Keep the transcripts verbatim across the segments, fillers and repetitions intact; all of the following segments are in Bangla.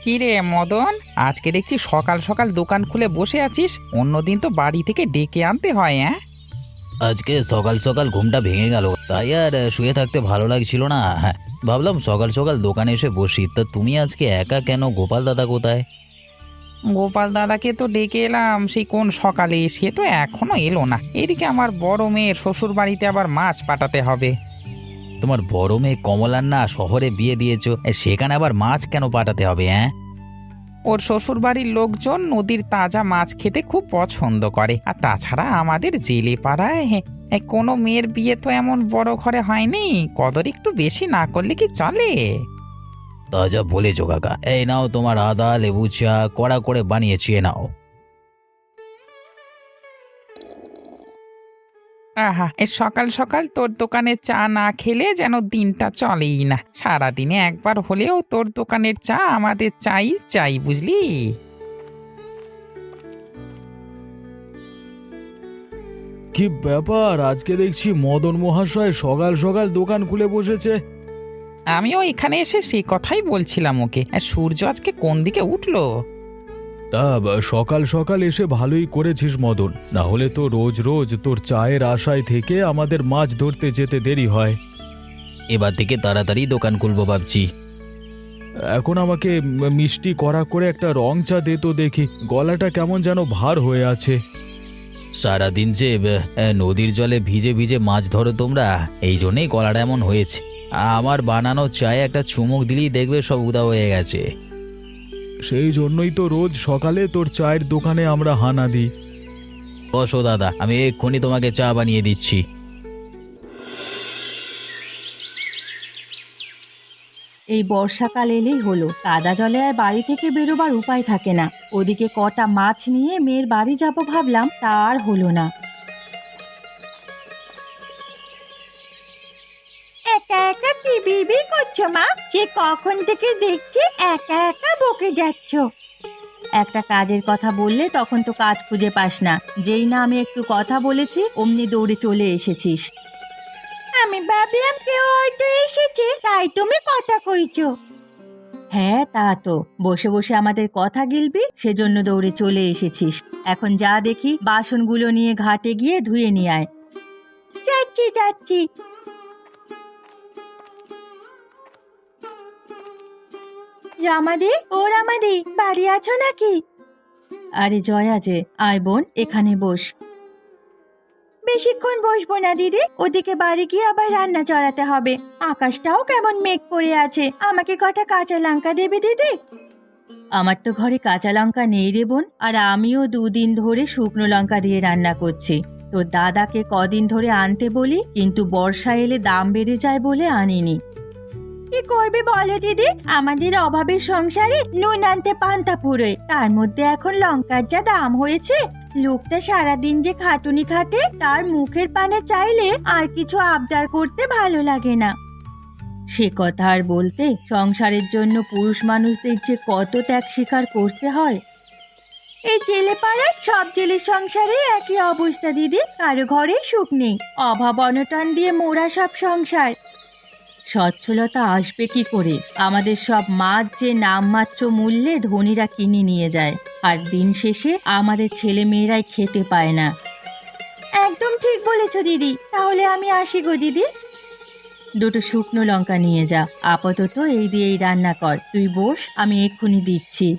কি রে মদন, আজকে দেখছি সকাল সকাল দোকান খুলে বসে আছিস। অন্যদিন তো বাড়ি থেকে ডেকে আনতে হয়। হ্যাঁ, আজকে সকাল সকাল ঘুমটা ভেঙে গেল, তাই আর শুয়ে থাকতে ভালো লাগছিল না। হ্যাঁ, ভাবলাম সকাল সকাল দোকানে এসে বসি। তা তুমি আজকে একা কেন? গোপাল দাদা কোথায়? গোপাল দাদাকে তো ডেকে এলাম সেই কোন সকালে, সে তো এখনো এলো না। এদিকে আমার বড় মেয়ের শ্বশুর বাড়িতে আবার মাছ পাঠাতে হবে। তোমার বড় মেয়ে কমলার না শহরে বিয়ে দিয়েছো, এ, সেখানে আবার মাছ কেন পাঠাতে হবে? হ্যাঁ, ওর শ্বশুর বাড়ির লোকজন নদীর তাজা মাছ খেতে খুব পছন্দ করে। আর তাছাড়া আমাদের জেলে পাড়ায় হে, এ, কোনো মেয়ের বিয়ে তো এমন বড় ঘরে হয়নি, কদর একটু বেশি না করলে কি চলে? তা যা বলেছো কাকা। এই নাও তোমার আদা লেবু চা কড়া করে বানিয়েছি, এ নাও। আহা, এ সকাল সকাল তোর দোকানে চা না খেলে যেন দিনটা চলেই না। সারাদিনে একবার হলেও তোর দোকানের চা আমাদের চাই চাই, বুঝলি? কি ব্যাপার, আজকে দেখছি মদন মহাশয় সকাল সকাল দোকান খুলে বসেছে। আমিও এখানে এসে সেই কথাই বলছিলাম ওকে। আর সূর্য আজকে কোন দিকে উঠলো? তা বা- সকাল সকাল এসে ভালোই করেছিস মদন, না হলে তো রোজ রোজ তোর চায়ের আশায় থেকে আমাদের মাছ ধরতে যেতে দেরি হয়। এবার থেকে তাড়াতাড়ি দোকান খুলবো ভাবছি। এখন আমাকে ম- মিষ্টি কড়া করে একটা রং চা দে তো দেখি, গলাটা কেমন যেন ভার হয়ে আছে। সারাদিন যে এ, নদীর জলে ভিজে ভিজে মাছ ধরো তোমরা, এই জন্যেই গলাটা এমন হয়েছে। আমার বানানো চায়ে একটা চুমুক দিলেই দেখবে সব উদা হয়ে গেছে। সেই জন্যই তো রোজ সকালে তোর চায়ের দোকানে আমরা হানা দিই। বসো দাদা, আমি এক্ষুনি তোমাকে চা বানিয়ে দিচ্ছি। এই বর্ষাকাল এলেই হলো, কাদা জলে আর বাড়ি থেকে বেরোবার উপায় থাকে না। ওদিকে কটা মাছ নিয়ে মেয়ের বাড়ি যাব ভাবলাম, তা আর হলো না। একা একা কি বিড়বিড় করছো মা? সে কখন থেকে দেখছি একা একা বকে যাচ্ছ। একটা কাজের কথা বললে তখন তো কাজ খুঁজে পাস না, যেই না আমি একটু কথা বলেছি অমনি দৌড়ে চলে এসেছিস। আমি ভাবলাম কেউ হয়তো এসেছে, তাই তুমি কথা কইছো। হ্যাঁ তা তো, বসে বসে আমাদের কথা গিলবি সেজন্য দৌড়ে চলে এসেছিস। এখন যা দেখি বাসনগুলো নিয়ে ঘাটে গিয়ে ধুয়ে নিয়ে আয়। যাচ্ছি যাচ্ছি। রামাদি, ও রামাদি, বাড়ি আছো নাকি? আরে জয়া যে, আয় বোন এখানে বস। বেশিক্ষণ বসবো না দিদি, ওদিকে বাড়ি গিয়ে আবার রান্না চড়াতে হবে। আকাশটাও কেমন মেঘ করে আছে, আমাকে কটা কাঁচা লঙ্কা দেবে দিদি? আমার তো ঘরে কাঁচা লঙ্কা নেই রে বোন, আর আমিও দুদিন ধরে শুকনো লঙ্কা দিয়ে রান্না করছি। তো দাদাকে কদিন ধরে আনতে বলি, কিন্তু বর্ষা এলে দাম বেড়ে যায় বলে আনিনি। কি করবে বলো দিদি, আমাদের অভাবের সংসারে নুন আনতে পান্তা পুরোয়, তার মধ্যে এখন লঙ্কার যা দাম হয়েছে। লোকটা সারাদিন যে খাটুনি খাটে, তার মুখের পানে চাইলে আর কিছু আবদার করতে ভালো লাগে না। সে কথা আর বলতে, সংসারের জন্য পুরুষ মানুষদের যে কত ত্যাগ স্বীকার করতে হয়। এই জেলে পাড়ার সব জেলের সংসারে একই অবস্থা দিদি, কারো ঘরে সুখ নেই, অভাব অনটন দিয়ে মোরা সব সংসার। সচ্ছলতা আসবে কি করে? আমাদের সব মাছ যে নামমাত্র মূল্যে ধনীরা কিনে নিয়ে যায়, আর দিন শেষে আমাদের ছেলে মেয়েরাই খেতে পায় না। একদম ঠিক বলেছ দিদি, তাহলে আমি আসি গো দিদি। দুটো শুকনো লঙ্কা নিয়ে যা, আপাতত এই দিয়েই রান্না কর। তুই বস, আমি এক্ষুনি দিচ্ছি।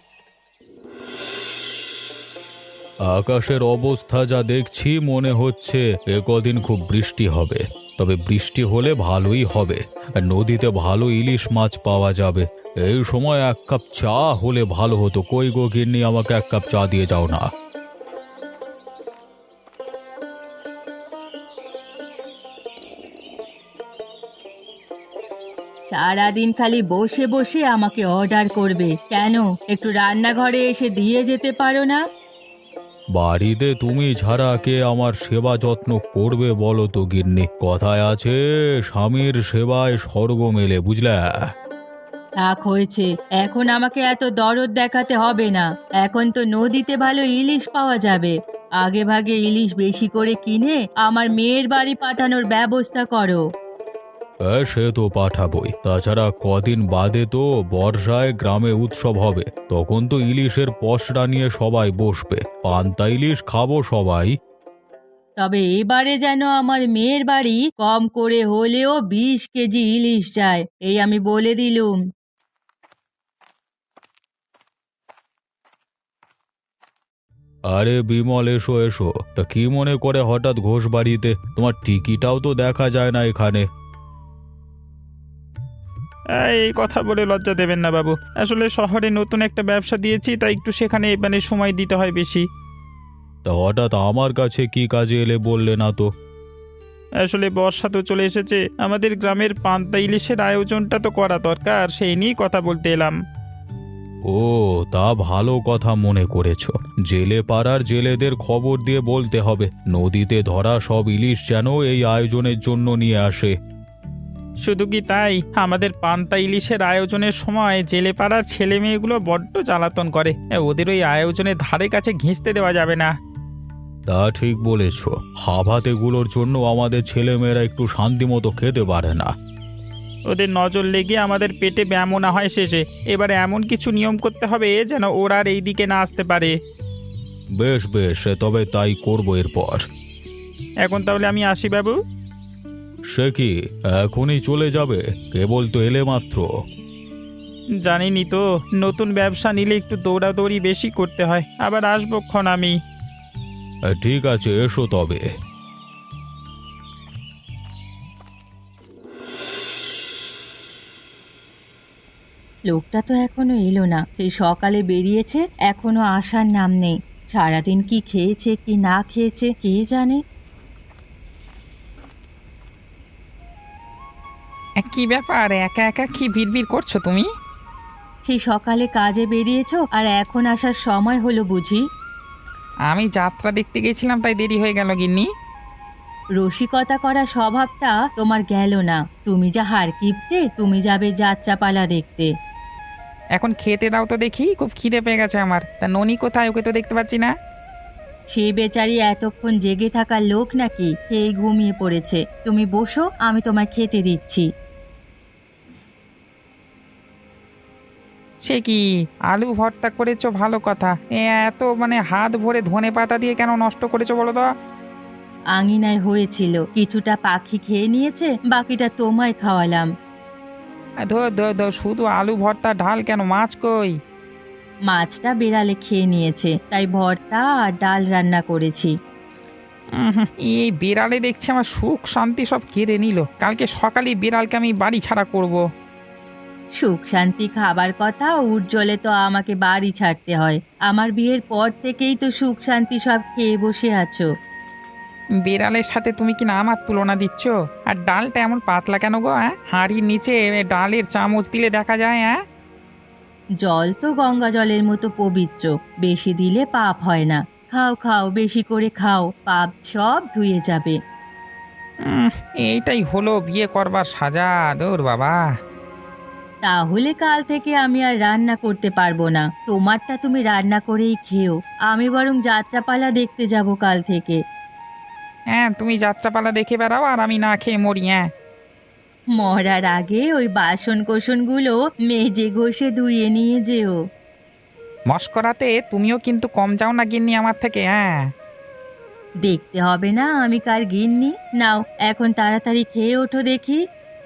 আকাশের অবস্থা যা দেখছি মনে হচ্ছে এ কদিন খুব বৃষ্টি হবে। তবে বৃষ্টি হলে ভালোই হবে, আর নদীতে ভালো ইলিশ মাছ পাওয়া যাবে। এই সময় এক কাপ চা হলে ভালো হতো। কই গো গিন্নি, আমাকে এক কাপ চা দিয়ে যাও না। সারাদিন খালি বসে বসে আমাকে অর্ডার করবে কেন? একটু রান্নাঘরে এসে দিয়ে যেতে পারো না? বাড়িতে তুমি ছাড়া কে আমার সেবা যত্ন করবে বলো তো গিন্নি? কথায় আছে, স্বামীর সেবায় স্বর্গ মেলে, বুঝলে? থাক হয়েছে, এখন আমাকে এত দরদ দেখাতে হবে না। এখন তো নদীতে ভালো ইলিশ পাওয়া যাবে। আগে ভাগে ইলিশ বেশি করে কিনে আমার মেয়ের বাড়ি পাঠানোর ব্যবস্থা করো। হ্যাঁ, সে তো পাঠাবই। তাছাড়া কদিন বাদে তো বর্ষায় গ্রামে উৎসব হবে, তখন তো ইলিশের পসরা নিয়ে সবাই বসবে, পান্তা ইলিশ খাবো সবাই। তবে এবারে যেন আমার মেয়ের বাড়ি কম করে হলেও বিশ কেজি ইলিশ চাই, এই আমি বলে দিলুম। আরে বিমল, এসো এসো। তা কি মনে করে হঠাৎ ঘোষ বাড়িতে? তোমার টিকিটাও তো দেখা যায় না এখানে। এই কথা বলে লজ্জা দেবেন না বাবু, আসলে শহরে নতুন একটা ব্যবসা দিয়েছি, তাই একটু সেখানে মানে সময় দিতে হয় বেশি। তা হঠাৎ আমার কাছে কি কাজে এলে বললে না তো? আসলে বর্ষা তো চলে এসেছে, আমাদের গ্রামের পান্তা ইলিশের আয়োজনটা তো করা দরকার, সেই নিয়েই কথা বলতে এলাম। ও, তা ভালো কথা মনে করেছো। জেলে পাড়ার জেলেদের খবর দিয়ে বলতে হবে নদীতে ধরা সব ইলিশ যেন এই আয়োজনের জন্য নিয়ে আসে। শুধু কি তাই, আমাদের পান্তা ইলিশের আয়োজনের সময় জেলে পাড়ার ছেলে মেয়েগুলো বড্ড জ্বালাতন করে, ওদের ওই আয়োজনের ধারে কাছে ঘেঁষতে দেওয়া যাবে না। তা ঠিক বলেছ, হাভাতেগুলোর জন্য আমাদের ছেলেমেয়েরা একটু শান্তি মতো খেতে পারে না। ওদের নজর লেগে আমাদের পেটে ব্যায়ামও না হয় শেষে, এবারে এমন কিছু নিয়ম করতে হবে যেন ওরা আর এই দিকে না আসতে পারে। বেশ বেশ, তবে তাই করবো এরপর। এখন তাহলে আমি আসি বাবু। সে কি, এখনই চলে যাবে? কেবল তো এলে মাত্র। জানিনি তো, নতুন ব্যবসা নিলে একটু দৌড়াদৌড়ি বেশি করতে হয়, আবার আসবো ক্ষণ আমি। ঠিক আছে, এসো তবে। লোকটা তো এখনো এলো না, সেই সকালে বেরিয়েছে, এখনো আসার নাম নেই। সারাদিন কি খেয়েছে কি না খেয়েছে কে জানে। কি ব্যাপার, একা একা কি বিড়বিড় করছো তুমি? সেই সকালে কাজে বেরিয়েছো আর এখন আসার সময় হলো বুঝি? আমি যাত্রা দেখতে গেছিলাম, তাই দেরি হয়ে গেল গিন্নি। রসিকতা করা স্বভাবটা তোমার গেল না। তুমি যা হার কিপটে, তুমি যাবে যাত্রাপালা দেখতে। এখন খেতে দাও তো দেখি, খুব খিদে পেয়ে গেছে আমার। তা ননি কোথায়, ওকে তো দেখতে পাচ্ছি না। সে বেচারি এতক্ষণ জেগে থাকার লোক নাকি, খেয়ে ঘুমিয়ে পড়েছে। তুমি বসো, আমি তোমায় খেতে দিচ্ছি। সে কি, আলু ভর্তা করেছো, ভালো কথা। এ এত মানে হাত ভরে ধনে পাতা দিয়ে কেন নষ্ট করেছো বলো তো? আঙিনায় হয়েছিল, কিছুটা পাখি খেয়ে নিয়েছে, বাকিটা তোমায় খাওয়ালাম। ধর ধর ধর, শুধু আলু ভর্তা, ঢাল কেন? মাছ কই? মাছটা বেড়ালে খেয়ে নিয়েছে, তাই ভর্তা আর ডাল রান্না করেছি। উম হুম, এই বিড়ালে দেখছি আমার সুখ শান্তি সব কেড়ে নিল। কালকে সকালে বিড়ালকে আমি বাড়ি ছাড়া করব। সুখ শান্তি খাবার কথা উজ্জ্বলে তো আমাকে বাড়ি ছাড়তে হয়। আমার বিয়ের পর থেকেই তো সুখ শান্তি সব খেয়ে বসে আছো। বিড়ালের সাথে তুমি কি না আমার তুলনা দিচ্ছ? আর ডালটা এমন পাতলা কেন গো? হ্যাঁ, হাঁড়ির নিচে ডালের চামচ দিলে দেখা যায়। হ্যাঁ, জল তো গঙ্গা জলের মতো পবিত্র, বেশি দিলে পাপ হয় না। খাও খাও, বেশি করে খাও, পাপ সব ধুয়ে যাবে। উম, এইটাই হলো বিয়ে করবার সাজা। দৌড় বাবা। তাহলে কাল থেকে আমি আর রান্না করতে পারবো না। তোমারটা তুমি রান্না করেই খেও, আমি বরং যাত্রাপালা দেখতে যাব কাল থেকে। হ্যাঁ, তুমি যাত্রাপালা দেখে বেড়াও আর আমি না খেয়ে মরি। হ্যাঁ, মরার আগে ওই বাসন কোসনগুলো মেজে ঘষে ধুয়ে নিয়ে যেও। মস্করাতে তুমিও কিন্তু কম যাও না গিন্নি আমার থেকে। হ্যাঁ, দেখতে হবে না আমি কার গিন্নি। নাও এখন তাড়াতাড়ি খেয়ে ওঠো দেখি।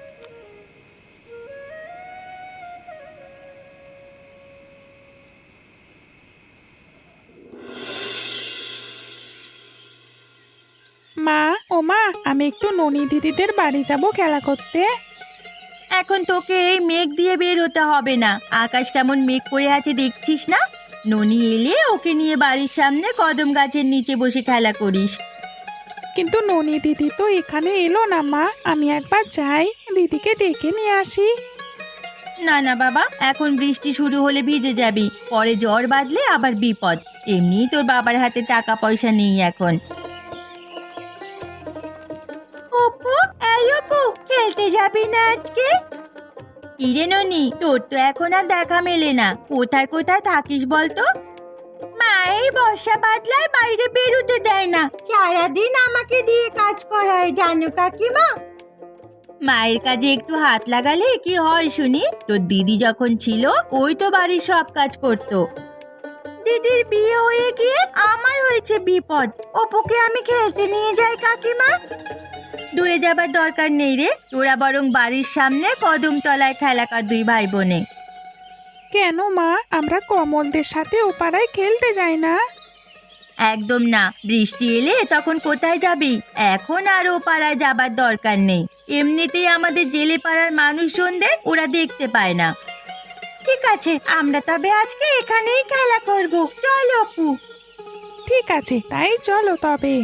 মা, ও মা, আমি একটু ননি দিদিদের বাড়ি যাব খেলা করতে। এখন তোকে এই মেঘ দিয়ে বের হতে হবে না। আকাশ কেমন মেঘ করে আছে দেখছিস না? ননি এলে ওকে নিয়ে বাড়ির সামনে কদম গাছের নিচে বসে খেলা করিস। কিন্তু ননি দিদি তো এখানে এলো না মা, আমি একবার যাই, দিদিকে ডেকে নিয়ে আসি। না না বাবা, এখন বৃষ্টি শুরু হলে ভিজে যাবি, পরে জ্বর বাঁধলে আবার বিপদ। এমনিই তোর বাবার হাতে টাকা পয়সা নেই এখন। অপু, এই অপু, খেলতে যাবি না আজকে? কিরে ননি, তোর তো এখন আর দেখা মেলে না। কোথায় কোথায় থাকিস বলতো? মা এই বর্ষা বাদলায় বাইরে বেরোতে দেয় না, সারাদিন আমাকে দিয়ে কাজ করায়, জানো কাকিমা। মায়ের কাজে একটু হাত লাগালে কি হয় শুনি? তোর দিদি যখন ছিল ওই তো বাড়ির সব কাজ করতো। দিদির বিয়ে হয়ে গিয়ে আমার হয়েছে বিপদ। অপুকে আমি খেলতে নিয়ে যাই কাকিমা। দূরে যাবার দরকার নেই রে, তোরা বরং বাড়ির সামনে কদম তলায় খেলা কর দুই ভাই বোনে। কেন মা, আমরা কমলদের সাথে ও পাড়ায় খেলতে যাই না? একদম না, বৃষ্টি এলে তখন কোথায় যাবি? এখন আর ও পাড়ায় যাবার দরকার নেই। এমনিতেই আমাদের জেলে পাড়ার মানুষজনদের ওরা দেখতে পায় না। ঠিক আছে, আমরা তবে আজকে এখানেই খেলা করব। চল অপু। ঠিক আছে, তাই চলো তবে।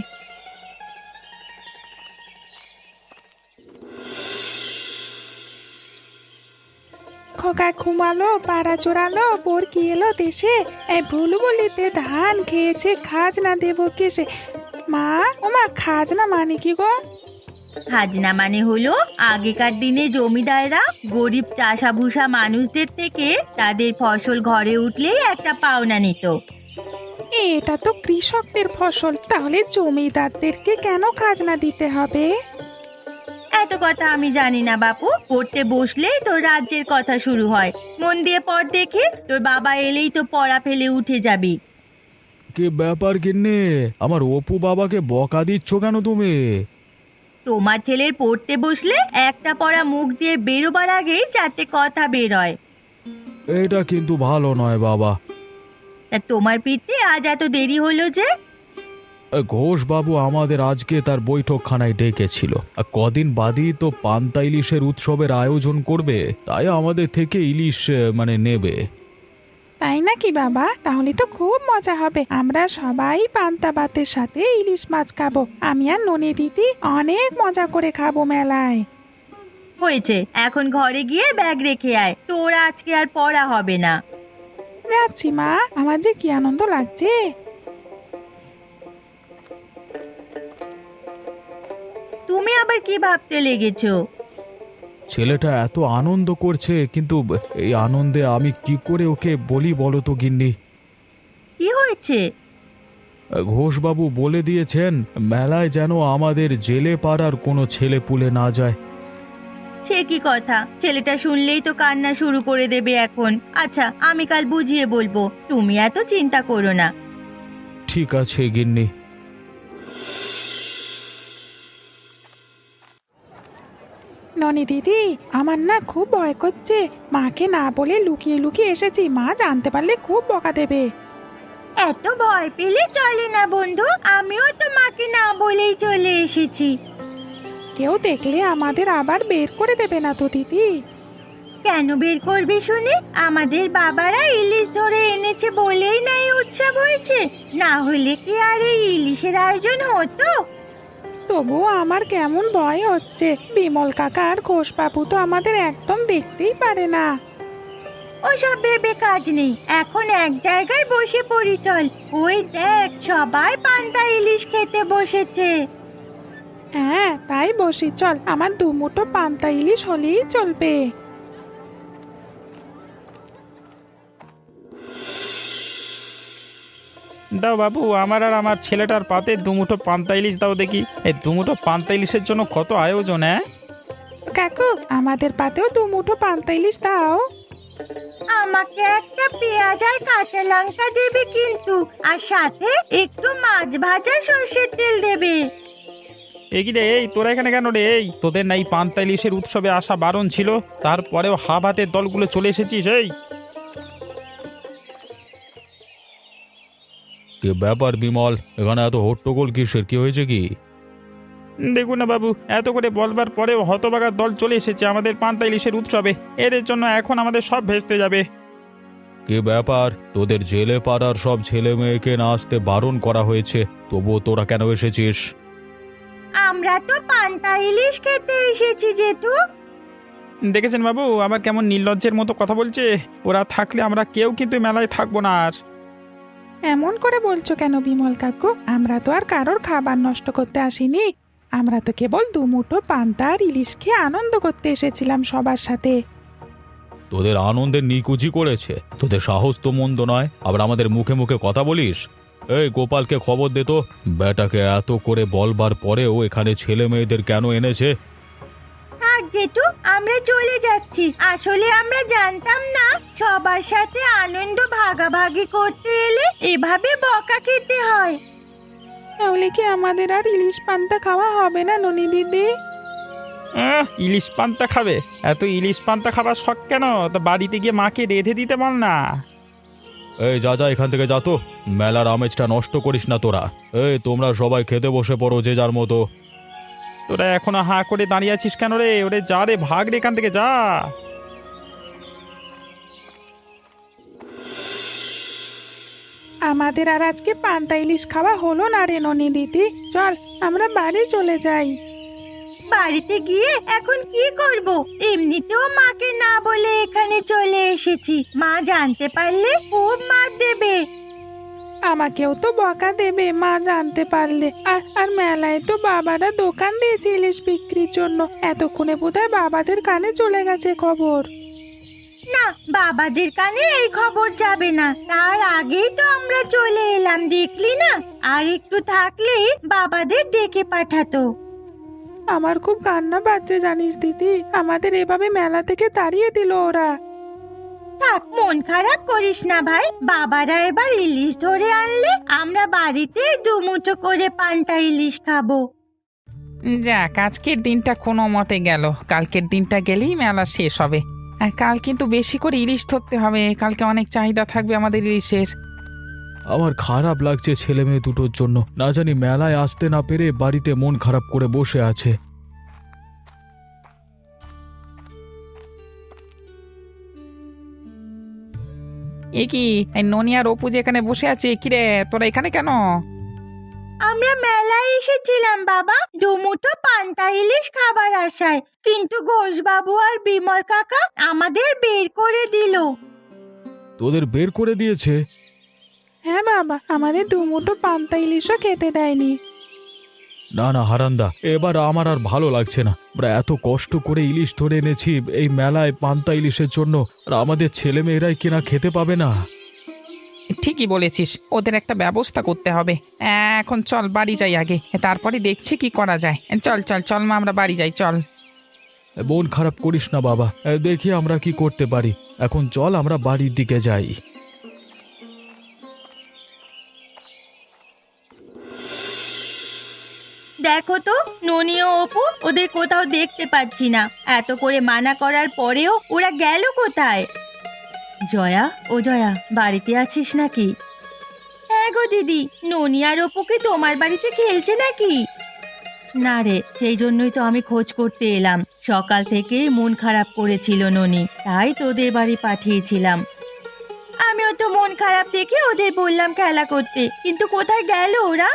খোকা ঘুমালো, পাড়া চোরালো, বোর কি এলো দেশে, এই বুলবুলিতে ধান খেয়েছে, খাজনা দেবো কেসে। মা, ও মা, খাজনা মানে কি গো? খাজনা মানে হলো আগেকার দিনে জমিদাররা গরিব চাষাভুষা মানুষদের থেকে তাদের ফসল ঘরে উঠলেই একটা পাওনা নিত। এটা তো কৃষকদের ফসল, তাহলে জমিদারদেরকে কেন খাজনা দিতে হবে? এত কথা আমি জানি না বাপু, পড়তে বসলেই তোর রাজ্যের কথা শুরু হয়। মন দিয়ে পড় দেখে, তোর বাবা এলেই তো পড়া ফেলে উঠে যাবি। কি ব্যাপার গিন্নি, আমার অপু বাবাকে বকা দিচ্ছ কেন তুমি? তোমার ছেলের পড়তে বসলে একটা পড়া মুখ দিয়ে বেরোবার আগেই চারটে কথা বের হয়। এটা কিন্তু ভালো নয় বাবা। তা তোমার পিঠে আজ এত দেরি হলো যে? ঘোষ বাবু আমাদের আজকে তার বৈঠকখানায় ডেকেছিল। আর কদিন বাদই তো পান্তা ইলিশের উৎসবের আয়োজন করবে, তাই আমাদের থেকে ইলিশ আহ, মানে নেবে। তাই নাকি বাবা? তাহলে তো খুব মজা হবে। আমরা সবাই পান্তা ভাতের সাথে ইলিশ মাছ খাবো। আমি আর ননি দিদি অনেক মজা করে খাবো মেলায়। হয়েছে, এখন ঘরে গিয়ে ব্যাগ রেখে আয়, তোর আজকে আর পড়া হবে না। যাচ্ছি মা, আমার যে কি আনন্দ লাগছে। তুমি আবার কি ভাবতে লেগেছো? ছেলেটা এত আনন্দ করছে, কিন্তু এই আনন্দে আমি কি করে ওকে বলি বলো তো গিন্নি? কি হয়েছে? ঘোষবাবু বলে দিয়েছেন মেলায় যেন আমাদের জেলে পাড়ার কোনো ছেলে পুলে না যায়। সে কি কথা? ছেলেটা শুনলেই তো কান্না শুরু করে দেবে এখন। আচ্ছা, আমি কাল বুঝিয়ে বলবো, তুমি এত চিন্তা করো না। ঠিক আছে গিন্নি। ননি দিদি, আমার না খুব ভয় করছে। মাকে না বলে লুকিয়ে লুকিয়ে এসেছি, মা জানতে পারলে খুব বকা দেবে। এত ভয় পেলে চলে না বন্ধু, আমিও তো মাকে না বলেই চলে এসেছি। কেউ দেখলে আমাদের আবার বের করে দেবে না তো দিদি? কেন বের করবে শুনি? আমাদের বাবারা ইলিশ ধরে এনেছে বলেই না এই উৎসব হয়েছে, না হলে কি আর এই ইলিশের আয়োজন হতো? তবুও আমার কেমন ভয় হচ্ছে। বিমল কাকা আর ঘোষ বাবু তো আমাদের একদম দেখতেই পারে না। ওসব ভেবে কাজ নেই, এখন এক জায়গায় বসে পড়ি চল। ওই দেখ, সবাই পান্তা ইলিশ খেতে বসেছে। হ্যাঁ, তাই বসি চল। আমার দু মুঠো পান্তা ইলিশ হলেই চলবে। দাও বাবু, আমার আর আমার ছেলেটার পাতে দুমুঠো পান্তা ইলিশ দাও দেখি। এই দুমুঠো পান্তা ইলিশের জন্য কত আয়োজন! হ্যাঁ কাকু, আমাদের পাতেও দু মুঠো পান্তা ইলিশ দাও। আমাকে একটা পেঁয়াজ আর কাঁচা লঙ্কা দেবে কিন্তু, আর সাথে একটু মাছ ভাজা সর্ষের তেল দেবে। এগি রে, এই তোরা এখানে কেন রে? এই তোদের নাই পান্তা ইলিশের উৎসবে আসা বারণ ছিল, তারপরেও হাফ হাতের দলগুলো চলে এসেছিস। এই কি ব্যাপার বিমল, এখানে এত হট্টগোল কিসের? কি হয়েছে কি? দেখুন না বাবু, এত করে বলবার পরেও হতবাগার দল চলে এসেছে আমাদের পান্তা ইলিশের উৎসবে। এদের জন্য এখন আমাদের সব ভেস্তে যাবে। কি ব্যাপার, তোদের জেলে পাড়ার সব ছেলে মেয়েকে না আসতে বারণ করা হয়েছে, তবুও তোরা কেন এসেছিস? আমরা তো পান্তা ইলিশ খেতে এসেছি জেঠু। দেখেছেন বাবু, আবার কেমন নির্লজ্জের মতো কথা বলছে। ওরা থাকলে আমরা কেউ কিন্তু মেলায় থাকবো না আর। এমন করে বলছো কেন বিমল কাকু? আমরা তো আর কারোর খাবার নষ্ট করতে আসিনি। আমরা তো কেবল দু মুঠো পান্তা আর ইলিশ খেয়ে আনন্দ করতে এসেছিলাম সবার সাথে। তোদের আনন্দের নিকুচি করেছে, তোদের সাহস তো মন্দ নয়, আবার আমাদের মুখে মুখে কথা বলিস। এই গোপালকে খবর দে তো, বেটাকে এত করে বলবার পরেও এখানে ছেলে মেয়েদের কেন এনেছে? থাক থাক জেঠু, আমরা চলে যাচ্ছি। আসলে আমরা জানতাম না সবার সাথে আনন্দ ভাগাভাগি করতে এলে এভাবে বকা খেতে হয়। তাহলে কি আমাদের আর ইলিশ পান্তা খাওয়া হবে না ননি দিদি? আহ, ইলিশ পান্তা খাবে? এত ইলিশ পান্তা খাবার শখ কেন? তা বাড়িতে গিয়ে মাকে রেঁধে দিতে বল না। এই যা যা এখান থেকে যা তো, মেলার আমেজটা নষ্ট করিস না তোরা। এই তোমরা সবাই খেতে বসে পড়ো যে যার মতো। তোরা এখনো হাঁ করে দাঁড়িয়ে আছিস কেন রে? ওরে যা রে, ভাগ রে এখান থেকে, যা। আমাদের আর আজকে পান্তা ইলিশ খাওয়া হলো না রে ননি দিদি। চল আমরা বাড়ি চলে যাই। বাড়িতে গিয়ে এখন কি করব? এমনিতেও মাকে না বলে এখানে চলে এসেছি। মা জানতে পারলে খুব মার দেবে। আমাকেও তো বকা দেবে মা জানতে পারলে। আর আর মেলায় তো বাবারা দোকান দিয়েছে ইলিশ বিক্রির জন্য। এতক্ষণে বোধহয় বাবাদের কানে চলে গেছে খবর। না, বাবাদের কানে এই খবর যাবে না। তার আগেই তো আমরা চলে এলাম, দেখলি না? আর একটু থাকলেই বাবাদের ডেকে পাঠাতো। আমার খুব কান্না পাচ্ছে জানিস দিদি। আমাদের এভাবে মেলা থেকে তাড়িয়ে দিল ওরা। থাক, মন খারাপ করিস না ভাই। বাবারা এবার ইলিশ ধরে আনলে আমরা বাড়িতে দুমুঠো করে পান্তা ইলিশ খাবো। যাক, আজকের দিনটা কোনো মতে গেল। কালকের দিনটা গেলেই মেলা শেষ হবে। আর কাল কিন্তু বেশি করে ইলিশ ধরতে হবে। কালকে অনেক চাহিদা থাকবে আমাদের ইলিশের। আমার খারাপ লাগছে ছেলে মেয়ে দুটোর জন্য। না জানি মেলায় আসতে না পেরে বাড়িতে মন খারাপ করে বসে আছে। এ কি, এই ননি আর অপু যে এখানে বসে আছে, কিরে তোরা এখানে কেন? আমরা মেলায় এসেছিলাম বাবা, দুমুঠো পান্তা ইলিশ খাবার আশায়, কিন্তু ঘোষবাবু আর বিমল কাকা আমাদের বের করে দিল। তোদের বের করে দিয়েছে? হ্যাঁ বাবা, আমাদের দুমুঠো পান্তা ইলিশও খেতে দেয়নি। না না হারান্দা, এবার আমার আর ভালো লাগছে না। আমরা এত কষ্ট করে ইলিশ ধরে এনেছি এই মেলায় পান্তা ইলিশের জন্য, আর আমাদের ছেলে মেয়েরাই কিনা খেতে পাবে না। ঠিকই বলেছিস, ওদের একটা ব্যবস্থা করতে হবে। এখন চল বাড়ি যাই আগে, তারপরে দেখছি কি করা যায়। চল চল চল মা, আমরা বাড়ি যাই, চল। মন খারাপ করিস না বাবা, দেখি আমরা কি করতে পারি। এখন চল আমরা বাড়ির দিকে যাই। দেখো তো, ননি ও অপু ওদের কোথাও দেখতে পাচ্ছি না। এত করে মানা করার পরেও ওরা গেল কোথায়? জয়া, ও জয়া, বাড়িতে আছিস নাকি? হ্যাঁ গো দিদি, ননি আর অপু কি তোমার বাড়িতে খেলছে নাকি? না রে, সেই জন্যই তো আমি খোঁজ করতে এলাম। সকাল থেকে মন খারাপ করেছিল ননি, তাই তোদের বাড়ি পাঠিয়েছিলাম। আমিও তো মন খারাপ দেখে ওদের বললাম খেলা করতে, কিন্তু কোথায় গেল ওরা?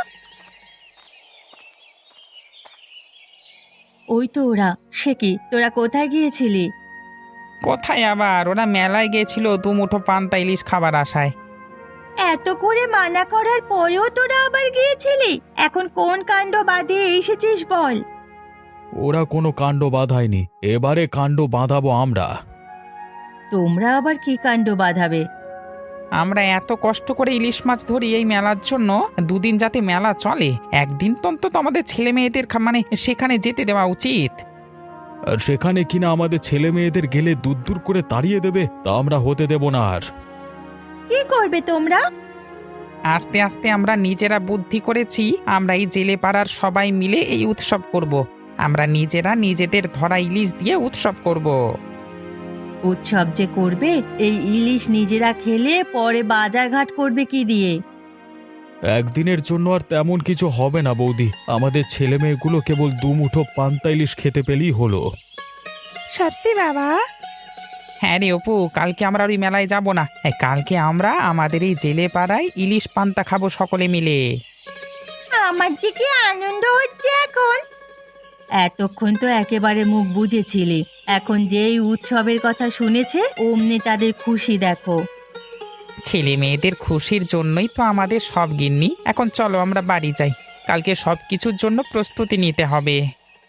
ওই তো ওরা। সে কি, তোরা কোথায় গিয়েছিলি? কোথায় আবার, ওরা মেলায় গিয়েছিল দুমুঠো পান্তা ইলিশ খাবার আশায়। এত করে মানা করার পরেও তোরা আবার গিয়েছিলি? এখন কোন কাণ্ড বাঁধিয়ে এসেছিস বল? ওরা কোনো কাণ্ড বাঁধায়নি, এবারে কাণ্ড বাঁধাবো আমরা। তোমরা আবার কি কাণ্ড বাঁধাবে? আমরা এত কষ্ট করে ইলিশ মাছ ধরি এই মেলার জন্য। দুদিন যাতে মেলা চলে, একদিন তো অন্তত আমাদের ছেলে মেয়েদের খা- মানে সেখানে যেতে দেওয়া উচিত। আর সেখানে কিনা আমাদের ছেলে মেয়েদের গেলে দূর দূর করে তাড়িয়ে দেবে, তা আমরা হতে দেব না। আর কি করবে তোমরা? আস্তে আস্তে আমরা নিজেরা বুদ্ধি করেছি, আমরা এই জেলে পাড়ার সবাই মিলে এই উৎসব করব। আমরা নিজেরা নিজেদের ধরা ইলিশ দিয়ে উৎসব করব। উৎসব যে করবে, এই ইলিশ নিজেরা খেলে পরে বাজার ঘাট করবে কি দিয়ে? একদিনের জন্য আর তেমন কিছু হবে না বৌদি। আমাদের ছেলে মেয়েগুলো কেবল দুমুঠো পান্তা ইলিশ খেতে পেলেই হলো। সত্যি বাবা? হ্যাঁ রে অপু, কালকে আমরা ওই মেলায় যাব না। এই কালকে আমরা আমাদের এই জেলে পাড়ায় ইলিশ পান্তা খাবো সকলে মিলে। আমার যে কি আনন্দ হচ্ছে এখন! এতক্ষণ তো একেবারে মুখ বুজেছিলি, এখন যেই উৎসবের কথা শুনেছে অমনি তাদের খুশি দেখো। ছেলে মেয়েদের খুশির জন্যই তো আমাদের সব গিন্নি। এখন চলো আমরা বাড়ি যাই, কালকে সব কিছুর জন্য প্রস্তুতি নিতে হবে।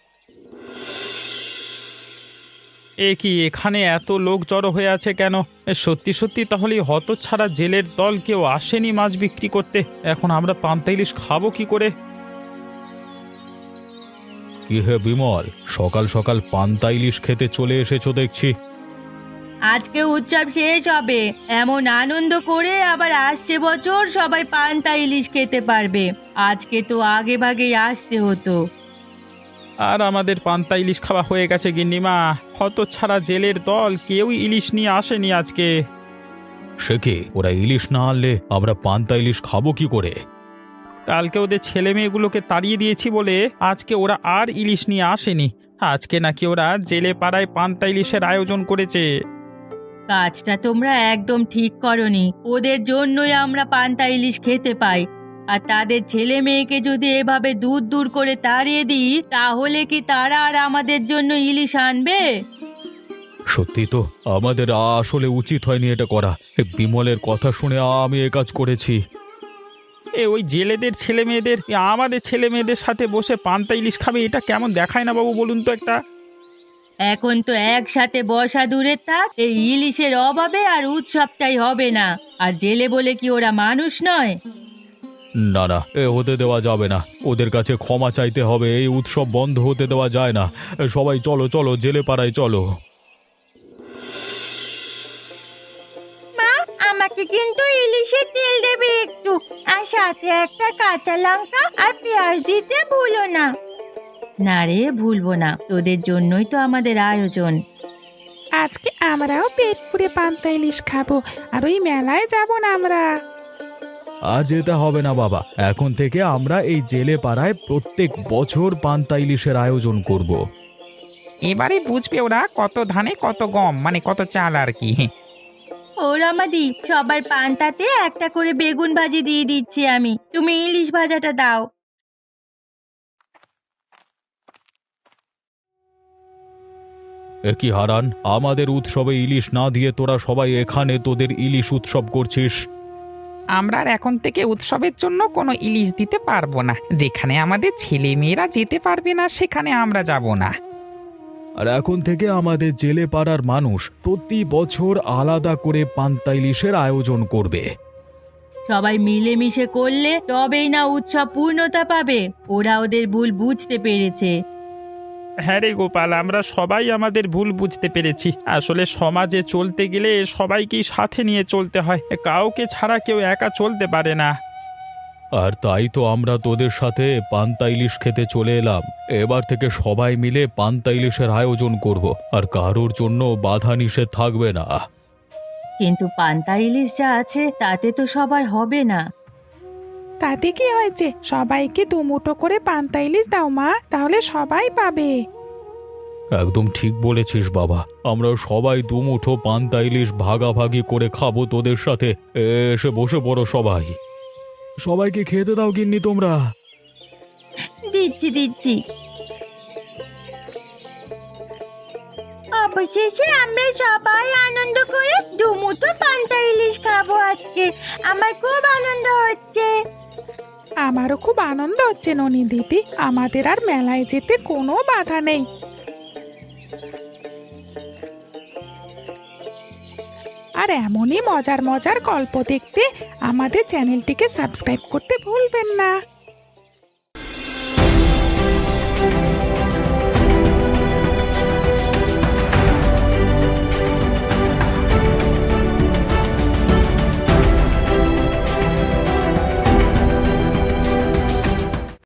এ কি, এখানে এত লোক জড়ো হয়ে আছে কেন? এ সত্যি সত্যি তাহলে হতচ্ছাড়া জেলের দল কেউ আসেনি মাছ বিক্রি করতে? এখন আমরা পান্তা ইলিশ খাবো কি করে? কি হে বিমল, সকাল সকাল পান্তা ইলিশ খেতে চলে এসেছো দেখছি। আজকে উৎসব শেষ হবে, এমন আনন্দ করে আবার আসছে বছর সবাই পান্তা ইলিশ খেতে পারবে। আজকে তো আগে ভাগেই আসতে হতো। আর আমাদের পান্তা ইলিশ খাওয়া হয়ে গেছে গিন্নিমা। হতচ্ছাড়া জেলের দল কেউই ইলিশ নিয়ে আসেনি আজকে। সে কি, ওরা ইলিশ না আনলে আমরা পান্তা ইলিশ খাবো কি করে? কালকে ওদের ছেলে মেয়েগুলোকে তাড়িয়ে দিয়েছি বলে আজকে ওরা আর ইলিশ নিয়ে আসেনি। আজকে নাকি ওরা জেলে পাড়ায় পান্তা ইলিশের আয়োজন করেছে। কাজটা তোমরা একদম ঠিক করনি। ওদের জন্যই আমরা পান্তা ইলিশ খেতে পাই। আর তাদের ছেলে মেয়েকে যদি এভাবে দূর দূর করে তাড়িয়ে দিই, তাহলে কি তারা আর আমাদের জন্য ইলিশ আনবে? সত্যি তো, আমাদের আসলে উচিত হয়নি এটা করা। এ বিমলের কথা শুনে আমি এ কাজ করেছি। এ ওই জেলেদের ছেলে মেয়েদের আমাদের ছেলে মেয়েদের সাথে বসে পান্তা ইলিশ খাবে, এটা কেমন দেখায় না বাবু বলুন তো একটা? এখন তো একসাথে বসা দূরে থাক, এই ইলিশের অভাবে আর উৎসবটাই হবে না। আর জেলে বলে কি ওরা মানুষ নয়? না না, এ হতে দেওয়া যাবে না। ওদের কাছে ক্ষমা চাইতে হবে। এই উৎসব বন্ধ হতে দেওয়া যায় না। এ, সবাই চলো চলো, জেলে পাড়ায় চলো। মা, আমাকে কিন্তু ইলিশের তেল দেবে একটু, আর সাথে একটা কাঁচা লঙ্কা আর পেঁয়াজ দিতে ভুলো না। না রে, ভুলবো না, তোদের জন্যই তো আমাদের আয়োজন। আজকে আমরাও পেট পুড়ে পান্তা ইলিশ খাবো, আর ওই মেলায় যাব না আমরা। আর যেতে হবে না বাবা, এখন থেকে আমরা এই জেলে পাড়ায় প্রত্যেক বছর পান্তা ইলিশের আয়োজন করব। এবারে বুঝবে ওরা কত ধানে কত গম, মানে কত চাল আর কি। ও রমাদি, সবার পান্তাতে একটা করে বেগুন ভাজি দিয়ে দিচ্ছি আমি, তুমি ইলিশ ভাজাটা দাও। এ কি হারান, আমাদের উৎসবে ইলিশ না দিয়ে তোরা সবাই এখানে তোদের ইলিশ উৎসব করছিস? আমরা আর এখন থেকে উৎসবের জন্য কোনো ইলিশ দিতে পারবো না। যেখানে আমাদের ছেলে মেয়েরা যেতে পারবে না সেখানে আমরা যাব না। আর এখন থেকে আমাদের জেলে পাড়ার মানুষ প্রতি বছর আলাদা করে পান্তা ইলিশের আয়োজন করবে। সবাই মিলেমিশে করলে তবেই না উৎসব পূর্ণতা পাবে। ওরা ওদের ভুল বুঝতে পেরেছে। হ্যাঁ রে গোপাল, আমরা সবাই আমাদের ভুল বুঝতে পেরেছি। আসলে সমাজে চলতে গেলে সবাইকেই সাথে নিয়ে চলতে হয়, কাউকে ছাড়া কেউ একা চলতে পারে না। আর তাই তো আমরা তোদের সাথে পান্তা ইলিশ খেতে চলে এলাম। এবার থেকে সবাই মিলে পান্তা ইলিশের আয়োজন করব, আর কারোর জন্য বাধা নিষেধ থাকবে না। কিন্তু পান্তা ইলিশ যা আছে তাতে তো সবার হবে না। তাতে কি হয়েছে, সবাইকে দুমুঠো করে পান্তা ইলিশ দাও মা, তাহলে সবাই পাবে। একদম ঠিক বলেছিস বাবা, আমরা সবাই দুমুঠো পান্তা ইলিশ ভাগাভাগি করে খাবো তোদের সাথে। এসে বসে পড়ো সবাই। সবাইকে খেতে দাও গিন্নি তোমরা। দিচ্ছি দিচ্ছি। অবশেষে আমরা সবাই আনন্দ করে দুমুঠো পান্তা ইলিশ খাবো আজকে। আমার খুব আনন্দ হচ্ছে। আমারও খুব আনন্দ হচ্ছে ননি দিদি, আমাদের আর মেলায় যেতে কোনো বাধা নেই। আর এমনই মজার মজার গল্প দেখতে আমাদের চ্যানেলটিকে সাবস্ক্রাইব করতে ভুলবেন না।